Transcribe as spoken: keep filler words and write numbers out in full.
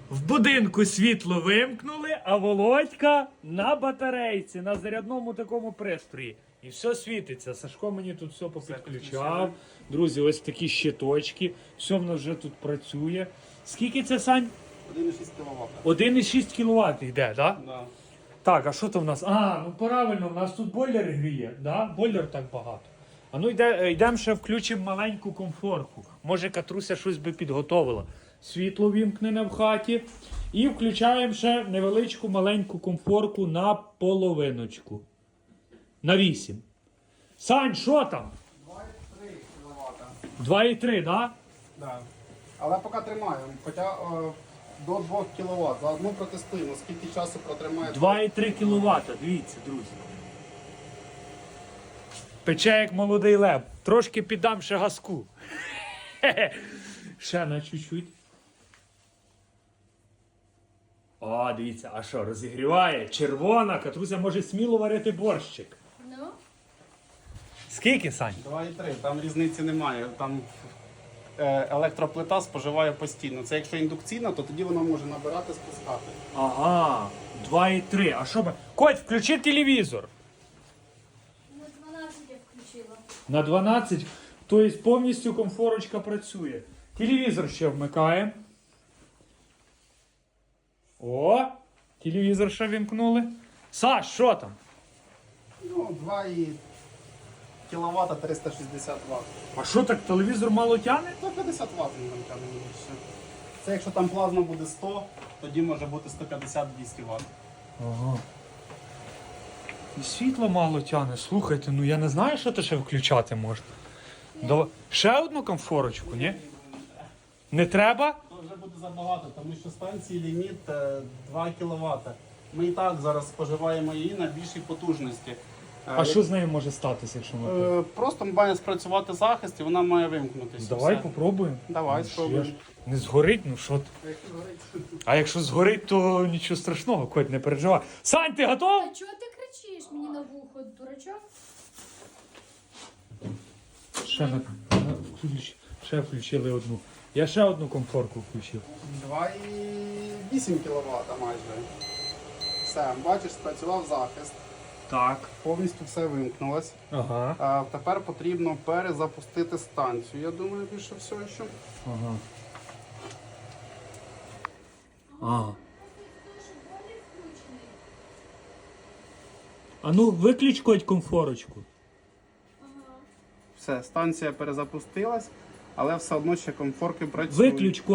В будинку світло вимкнули, а Володька на батарейці, на зарядному такому пристрої. І все світиться. Сашко мені тут все попідключав. Друзі, ось такі щиточки. Все в нас вже тут працює. Скільки це, Сань? один і шість кіловат. один і шість кіловат йде, так? Да? Да. Так, а що то в нас? А, ну правильно, в нас тут бойлер гріє, да? Бойлер так багато. А ну йде, йдемо ще включимо маленьку комфорку. Може Катруся щось би підготовила. Світло вімкнене в хаті. І включаємо ще невеличку маленьку комфорку на половиночку. На вісім. Сань, що там? два і три кіловата. два і три, да? Да. Але поки тримаємо. Хоча о, до двох кіловат. Заодно протестуємо, скільки часу протримає. два і три кіловата, дивіться, друзі. Пече як молодий лев. Трошки піддам ще газку. Ще на чуть-чуть. О, дивіться, а що, розігріває? Червона, Катруся може сміло варити борщик. Ну? Скільки, Сань? два і три, там різниці немає. Там е, електроплита споживає постійно. Це якщо індукційна, то тоді вона може набирати, спускати. Ага, два і три. А що би? Коть, включи телевізор. На дванадцять я включила. На дванадцять, тобто повністю комфорочка працює. Телевізор ще вмикаємо. О, телевізор ще вімкнули. Саш, що там? Ну, два і кіловата триста шістдесят ватт. А що так, телевізор мало тягне? сто п'ятдесят ватт він там тягне більше. Це якщо там плазма буде сто, тоді може бути сто п'ятдесят - двісті ватт. Ага. І світло мало тягне. Слухайте, ну я не знаю, що то ще включати можна. Давай. Ще одну комфорочку, ні? Не треба? То вже буде забагато, тому що станції ліміт е, два кіловата. Ми і так зараз споживаємо її на більшій потужності. Е, А як- що з нею може статися, якщо ми... Е, Просто має спрацювати захист і вона має вимкнутися. Давай Все. попробуємо. Давай, Ну, що спробуємо. ж, не згорить, ну що ти? А якщо згорить, то нічого страшного, Коть, не переживай. Сань, ти готов? А чого ти кричиш мені на вухо, дурачок? Ще, на, на, включ- ще включили одну. Я ще одну комфорку включив. два і вісім кіловата майже. Все, бачиш, спрацював захист. Так. Повністю все вимкнулось. Ага. А тепер потрібно перезапустити станцію. Я думаю, більше всього, що. Ага. Ага. А ну, виключ, Коть, комфорочку. Все, станція перезапустилась, але все одно ще комфорки працюють. Виключ, Коть.